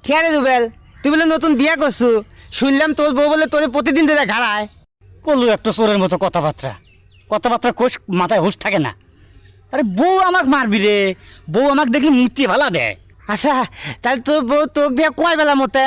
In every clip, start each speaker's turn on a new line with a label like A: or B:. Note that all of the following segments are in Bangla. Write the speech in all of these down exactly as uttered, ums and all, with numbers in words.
A: কে রে রুবেল, তুই বলে নতুন বিয়া করছু, শুনলাম তোর বউ বলে তোরে প্রতিদিন ধরে ঘাড়ায়।
B: করলু একটা চোরের মতো কথাবার্তা কথাবার্তা কোষ মাথায় হুঁশ থাকে না। আরে বউ আমাক মারবি রে, বউ আমাকে দেখলি মূর্তি ভালা দেয়।
A: আচ্ছা, তাহলে তোর বউ তোকে দিয়ে কয় বেলা মতে?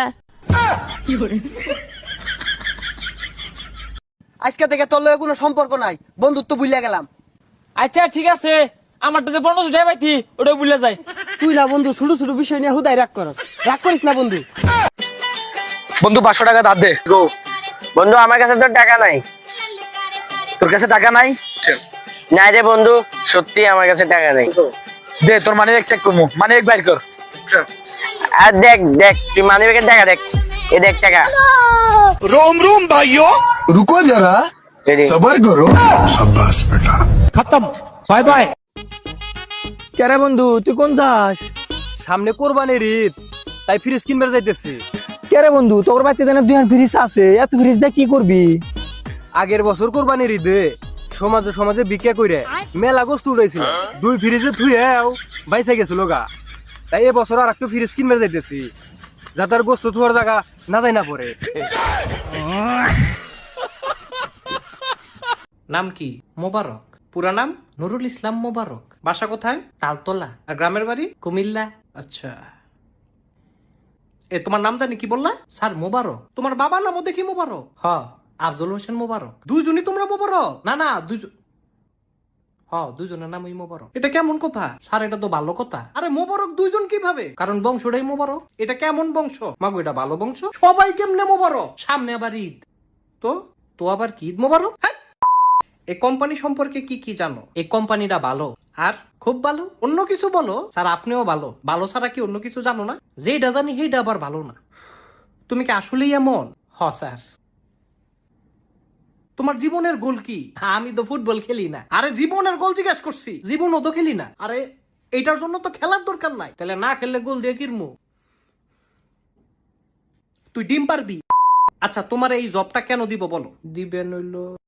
C: আজকে থেকে তোর লগে কোনো সম্পর্ক নাই, বন্ধুত্ব বুঝলে গেলাম।
D: আচ্ছা ঠিক আছে, আমারটা যে পনেরোশো টাকা পাইতি ওটা বুঝলে যাইস।
C: তুই না বন্ধু ছোট ছোট বিষয় নিয়ে হুদাই রাগ করস, রাগ করিস না বন্ধু।
E: বন্ধু পাঁচশো টাকা ধার দে।
F: বন্ধু আমার কাছে তো টাকা নাই।
E: তোর কাছে টাকা নাই?
F: নাই রে বন্ধু, সত্যি আমার কাছে টাকা নেই।
E: দে তোর মানি ব্যাগ চেক করবো, মানি ব্যাগ বাইর কর।
F: আর দেখ দেখ তুই মানি ব্যাগের টাকা দেখ, এ দেখ টাকা।
E: रोम रोम भाइयों,
G: रुको जरा,
F: রেডি?
G: सबर करो।
C: কেরে বন্ধু তুই কোন যাস? সামনে কোরবানির ঈদ, তাই ফ্রিজ কিনবে যাইতেছি। কেরে বন্ধু তোর বাড়িতে দেন দুই ফ্রিজ আছে, এত ফ্রিজ দিয়ে কি করবি? আগের বছর কোরবানির ঈদে সমাজে সমাজে বিক্রি করে মেলা গোস্ত উড়াইছিল, দুই ফ্রিজে থুয়েও বাইসে গেছিল গা। তাই এবছর আর একটু ফ্রিজ কিনবে যাইতেছি, যাতে আর গোস্ত থুয়ার জায়গা না যায় না পড়ে।
H: নাম কি? মোবারক। পুরা নাম নুরুল ইসলাম মোবারক। বাসা কোথায়? তালতলা। আর গ্রামের বাড়ি? কুমিল্লা। আচ্ছা, এ তোমার নাম জানি কি বললা? স্যার মোবারক। তোমার বাবার নামও দেখি মোবারক। হ, আফজল হোসেন মোবারক। দুইজনই তোমরা মোবারক? না না, দুইজন। হ, দুইজনের নামই মোবারক। এটা কেমন কথা স্যার? এটা তো ভালো কথা। আরে মোবারক দুইজন কিভাবে? কারণ বংশটাই মোবারক। এটা কেমন বংশ মাগো? এটা ভালো বংশ। সবাই কেমনে মোবারক? সামনে আবার ঈদ। তো তো আবার কি ঈদ মোবারক? হ্যাঁ। এই কোম্পানি সম্পর্কে কি কি জানো? এই কোম্পানিটা ভালো। আর খুব ভালো? অন্য কিছু বলো। স্যার আপনিও ভালো। ভালো ছাড়া কি অন্য কিছু জানো না? যেটা জানি সেইটা আবার ভালো না। তুমি কি আসলেই এমন? হ স্যার। তোমার জীবনের গোল কি? আমি তো ফুটবল খেলি না। আরে জীবনের গোল জিজ্ঞেস করছি। জীবনও তো খেলি না। আরে এইটার জন্য তো খেলার দরকার নাই। তাহলে না খেললে গোল দিয়ে কিরমু? তুই ডিম পারবি? আচ্ছা তোমার এই জবটা কেন দিব বলো? দিবেন হইলো